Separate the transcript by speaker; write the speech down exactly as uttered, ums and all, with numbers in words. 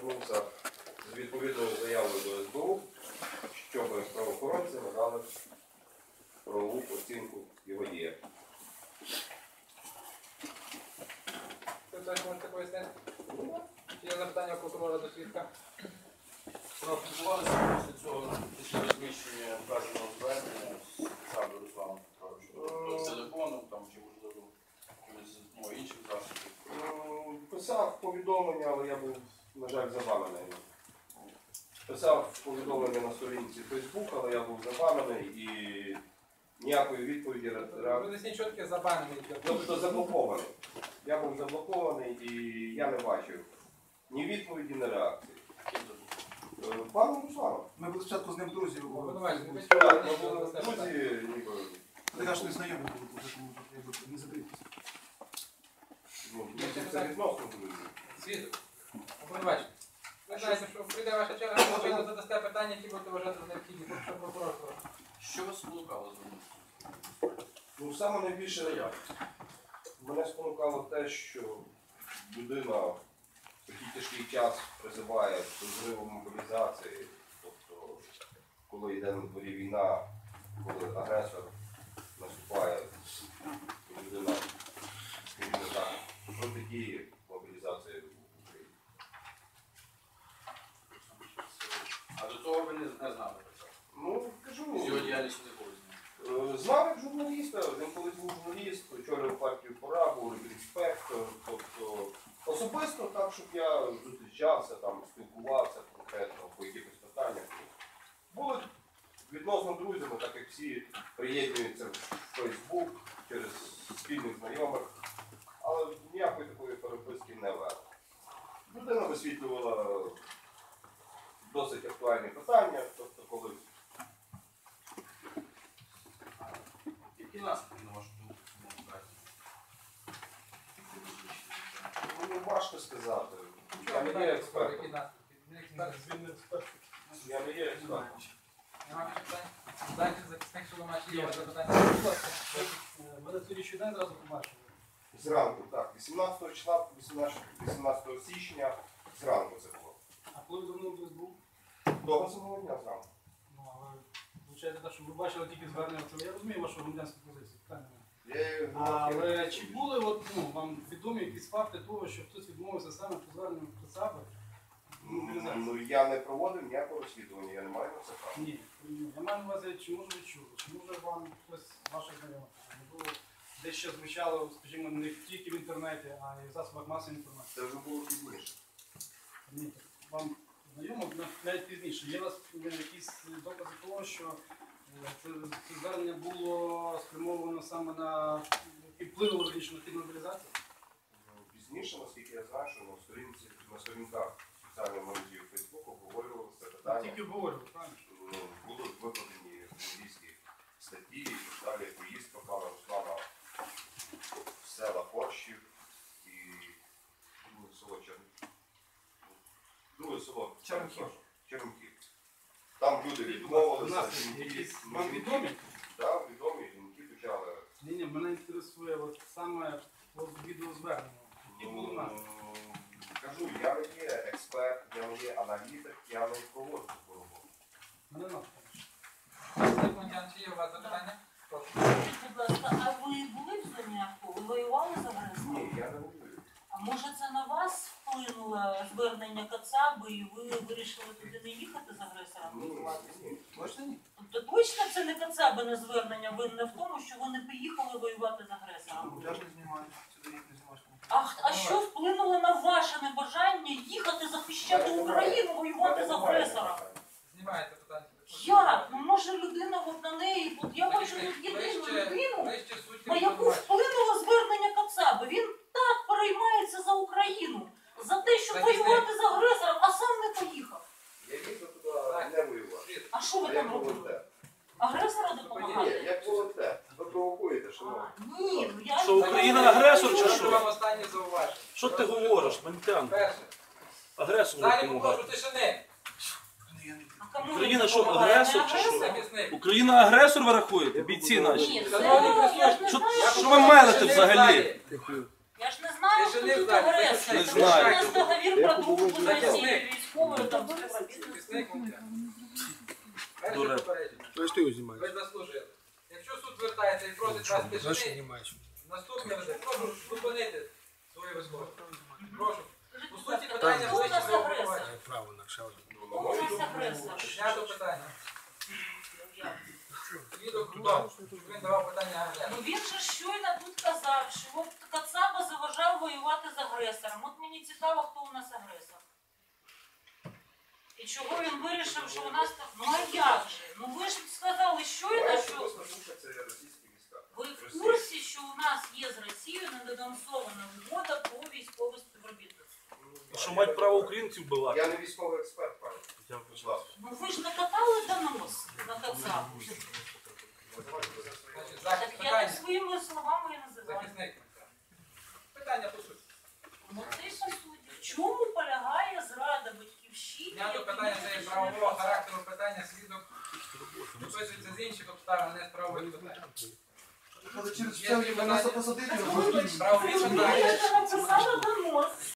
Speaker 1: звернувся з відповідною заявою до ес бе у, щоб правоохоронці надали правову оцінку його діям.
Speaker 2: Ви хтось можете пояснити? Чи є запитання прокурора до свідка?
Speaker 3: Спілкувалися після цього, після розміщення вказаного звернення з Саду Русланом Петровичем? З телефоном там, чи можливо з ну, інших засобів?
Speaker 1: Писав повідомлення, але я був, на жаль, забанений. Писав повідомлення на сторінці Фейсбук, але я був забанений і ніякої відповіді.
Speaker 2: Ви десь нічого таке забанений.
Speaker 1: Тобто заблокований. Я був заблокований і я не бачив ні відповіді, ні реакції. Пану Руслану.
Speaker 4: Ми були спочатку з ним друзі.
Speaker 2: Обвинувачення, ви
Speaker 1: Так, ми були друзі, ніби.
Speaker 4: Ти кажеш, не знайомі були, тому не закрийтеся.
Speaker 1: Ну, це відносно друзі.
Speaker 2: Свідок. Обвинувачення. Ви знаєте, що прийде ваша черга, ви задасте питання, які будете вважати за необхідні, тому що прокурор.
Speaker 3: Що вас спонукало звернутися?
Speaker 1: Ну, саме найбільше мене спонукало те, що людина в такий тяжкий час призиває до зриву мобілізації, тобто, коли йде на дворі війна, коли агресор наступає, людина, скажімо так, протидіє мобілізації в Україні.
Speaker 3: А до того ви не знали про це?
Speaker 1: Ну, кажу,
Speaker 3: З його діяльністю не було знати?
Speaker 1: знав як журналіста, він колись був журналіст, очолював партію «Пора», був інспектор, тобто особисто так, щоб я зустрічався, там, спілкувався конкретно по якихось питаннях. Були відносно друзями, так як всі приєднуються в Фейсбук через спільних знайомих, але ніякої такої переписки не вели. Людина висвітлювала досить актуальні питання, тобто коли
Speaker 3: Які наслідки, на вашу думку, цьому вказі?
Speaker 1: ну, важко сказати. Я не є експертом. Я не є експертом.
Speaker 2: Нема питань? Дайте захисник, що ви маєте є запитання.
Speaker 4: Ми на слідчий день одразу побачили.
Speaker 1: Зранку, так. вісімнадцятого числа, вісімнадцятого січня, зранку це було.
Speaker 4: А коли ви давно десь був?
Speaker 1: Того самого дня зранку.
Speaker 4: Ну, але виходить так, що ви бачили тільки звернення. Я розумію вашу громадянську позицію, питання немає. Але чи були от, ну, вам відомі якісь факти того, що хтось відмовився саме по зверненню Кацаби?
Speaker 1: Ну, я не проводив ніякого розслідування, я не маю на це права.
Speaker 4: Ні, ні. Я маю на увазі, чи може ви чули, чи може вам хтось ваших знайомих було десь ще звучало, скажімо, не тільки в інтернеті, а й в засобах масової інформації.
Speaker 1: Це вже було пізніше.
Speaker 4: Ні, вам знайомо навіть пізніше. Є у вас якісь докази того, що це, це звернення було спрямовано саме на і вплинуло на хід мобілізації?
Speaker 1: Пізніше, наскільки я знаю, що на сторінці, на сторінках соціальної мережі Фейсбуку обговорювалося це питання.
Speaker 4: Тільки обговорювали, правильно?
Speaker 1: Ну, будуть викладені журналістські статті і так далі, поїздка пана Руслана в села Порщів і друге село Чернків. Друге село
Speaker 4: Чернків.
Speaker 1: Чернків. Там люди відмовилися.
Speaker 4: Якісь вам відомі?
Speaker 1: Так, відомі, жінки почали.
Speaker 4: Ні, ні, мене інтересує от саме от відеозвернення. Які були наслідки?
Speaker 1: Кажу, я не є експерт, я не є аналітик, я не проводжу таку роботу.
Speaker 4: Мене наслідки.
Speaker 2: Секундян, чи є у вас запитання? Прошу.
Speaker 5: Будь ласка, а ви були в зоні АТО? Ви воювали з агресором?
Speaker 1: Ні, я не говорю.
Speaker 5: А може це на вас вплинуло звернення Кацаби і ви вирішили туди не їхати з агресором
Speaker 1: Ні,
Speaker 5: воювати?
Speaker 1: ні.
Speaker 4: Точно ні?
Speaker 5: Тобто точно це не Кацабине звернення винне в тому, що ви не поїхали воювати з агресором?
Speaker 4: Я ж не знімаю, сюди їх не знімаєш.
Speaker 5: А, а що вплинуло на ваше небажання їхати захищати Україну, воювати з агресором?
Speaker 2: Знімаєте питання.
Speaker 5: Як? Ну може людина от на неї, от я бачу тут єдину людину,
Speaker 2: Ближче суть
Speaker 5: на яку вплинуло звернення Кацаби. Він так переймається за Україну, за те, щоб воювати з агресором, а сам не поїхав.
Speaker 1: Я їздив туди не воювати.
Speaker 5: А що ви
Speaker 1: А як
Speaker 5: там робили?
Speaker 1: волонтер?
Speaker 5: Агресора
Speaker 1: Ні,
Speaker 5: допомагати?
Speaker 1: як волонтер. Ви провокуєте,
Speaker 5: А,
Speaker 1: шановні.
Speaker 5: ні, ну я...
Speaker 6: Що, Україна агресор чи
Speaker 2: Прошу
Speaker 6: що?
Speaker 2: вам останнє зауваження.
Speaker 6: Що ти говориш, Мантян?
Speaker 2: Перше.
Speaker 6: Агресор
Speaker 2: Далі
Speaker 6: допомагає.
Speaker 2: попрошу тишини.
Speaker 5: А кому
Speaker 6: Україна
Speaker 5: він
Speaker 6: що,
Speaker 5: допомагає?
Speaker 6: агресор
Speaker 5: Не
Speaker 6: чи що?
Speaker 5: агресор?
Speaker 2: Захисник.
Speaker 6: Україна агресор ви рахуєте? Бійці наші.
Speaker 5: Ні, це...
Speaker 2: Шановні
Speaker 5: Я ж не
Speaker 6: Що,
Speaker 5: знаю,
Speaker 6: що ви мелите
Speaker 2: Тишини в
Speaker 6: взагалі?
Speaker 2: залі.
Speaker 5: Я ж не знаю,
Speaker 2: Тишини
Speaker 5: тут
Speaker 2: в залі.
Speaker 5: агресор?
Speaker 2: Не
Speaker 5: Тому що у
Speaker 6: знаю.
Speaker 5: нас договір про дружбу з
Speaker 2: Я
Speaker 5: Росією, військовою там співробітництво.
Speaker 2: Захисник Мовчан. Перше
Speaker 6: Дуре.
Speaker 2: попередження.
Speaker 7: То есть ты его снимаешь?
Speaker 2: Ви заслужили. Якщо суд звертається і просить вас
Speaker 7: Дальше
Speaker 2: тишини,
Speaker 7: снимаешь.
Speaker 2: наступне буде. Прошу зупинити свої вислови. Прошу. По суті,
Speaker 5: Скажіть,
Speaker 2: питання
Speaker 5: хто у нас
Speaker 2: ближче до
Speaker 5: агресор?
Speaker 2: обговорення.
Speaker 7: Я право на шауру.
Speaker 5: Хто у нас агресор?
Speaker 2: Знято питання. Свідок Дубав, щоб він давав питання
Speaker 5: Ну
Speaker 2: агресору.
Speaker 5: він же щойно тут казав, що от Кацаба заважав воювати з агресором. От мені цікаво, хто у нас агресор. І чого він вирішив, що у нас так. Ну а як же? Ну ви ж сказали щойно, що
Speaker 1: Це російські війська.
Speaker 5: ви в курсі, що у нас є з Росією недодансована угода про військове співробітництво.
Speaker 6: Що мать право українців була.
Speaker 1: Я не військовий експерт, пані.
Speaker 6: Я
Speaker 1: Будь ласка.
Speaker 5: Ну ви ж накатали донос на Кацабу.
Speaker 2: Значить,
Speaker 5: Так
Speaker 2: захист
Speaker 5: я так
Speaker 2: питання.
Speaker 5: своїми словами і називаю.
Speaker 2: Захисник Мовчан. Питання по суті.
Speaker 5: Ну це й по суті. В чому полягає зрада батьківщини?
Speaker 2: Знято
Speaker 5: як
Speaker 2: питання це є
Speaker 5: міністр
Speaker 2: правового
Speaker 5: держави?
Speaker 2: характеру питання свідок. Виписується з інших обставин, не з правових питань.
Speaker 1: Через
Speaker 2: Є питання.
Speaker 5: Так ви
Speaker 2: Правові
Speaker 5: ви
Speaker 2: питання.
Speaker 5: ж написали донос.